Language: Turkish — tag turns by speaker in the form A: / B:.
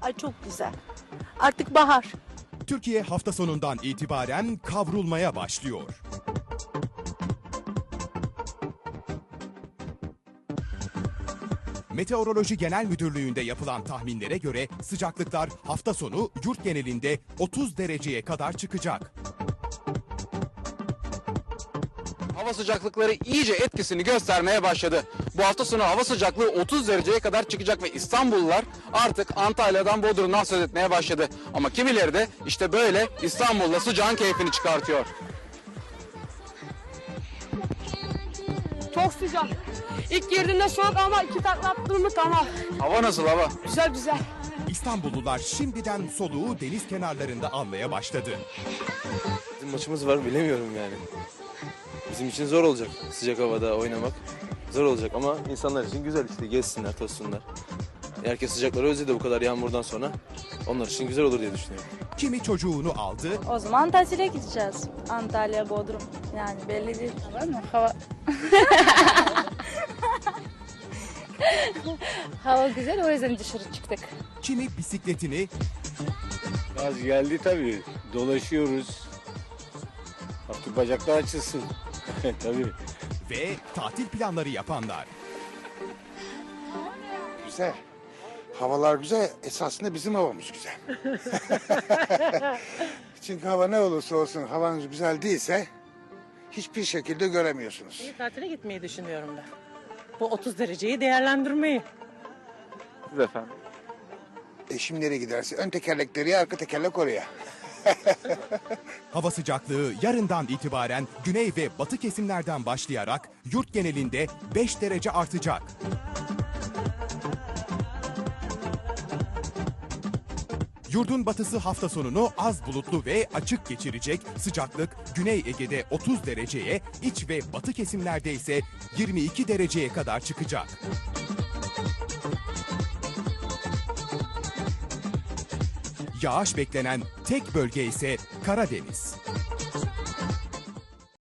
A: Ay çok güzel. Artık bahar.
B: Türkiye hafta sonundan itibaren kavrulmaya başlıyor. Meteoroloji Genel Müdürlüğü'nde yapılan tahminlere göre sıcaklıklar hafta sonu yurt genelinde 30 dereceye kadar çıkacak.
C: Hava sıcaklıkları iyice etkisini göstermeye başladı. Bu hafta sonu hava sıcaklığı 30 dereceye kadar çıkacak ve İstanbullular artık Antalya'dan Bodrum'dan söz etmeye başladı. Ama kimileri de işte böyle İstanbul'da sıcağın keyfini çıkartıyor.
D: Çok sıcak. İlk girdiğinde soğuk ama iki takla attım mı tamam.
C: Hava nasıl hava?
D: Güzel güzel.
B: İstanbullular şimdiden soluğu deniz kenarlarında almaya başladı.
E: Bizim maçımız var, bilemiyorum yani. Bizim için zor olacak sıcak havada oynamak. Zor olacak ama insanlar için güzel işte, gezsinler, tozsunlar. Herkes sıcakları özledi bu kadar yağmurdan sonra. Onlar için güzel olur diye düşünüyorum.
B: Kimi çocuğunu aldı,
F: O zaman tatile gideceğiz. Antalya, Bodrum. Yani belli değil. Var mı? Hava... Hava güzel, o yüzden dışarı çıktık.
B: kimi bisikletini,
G: Yaz geldi tabii. Dolaşıyoruz. Artık bacaklar açılsın. Tabii.
B: ve tatil planları yapanlar.
H: Güzel. Havalar güzel. Esasında bizim havamız güzel. Çünkü hava ne olursa olsun havanız güzel değilse hiçbir şekilde göremiyorsunuz.
I: Tatile gitmeyi düşünüyorum ben. Bu 30 dereceyi değerlendirmeyi.
C: Siz efendim?
H: Eşim nereye giderse ön tekerlekleri ya, arka tekerlek oraya.
B: Hava sıcaklığı yarından itibaren güney ve batı kesimlerden başlayarak yurt genelinde 5 derece artacak. Yurdun batısı hafta sonunu az bulutlu ve açık geçirecek. Sıcaklık Güney Ege'de 30 dereceye, iç ve batı kesimlerde ise 22 dereceye kadar çıkacak. Yağış beklenen tek bölge ise Karadeniz.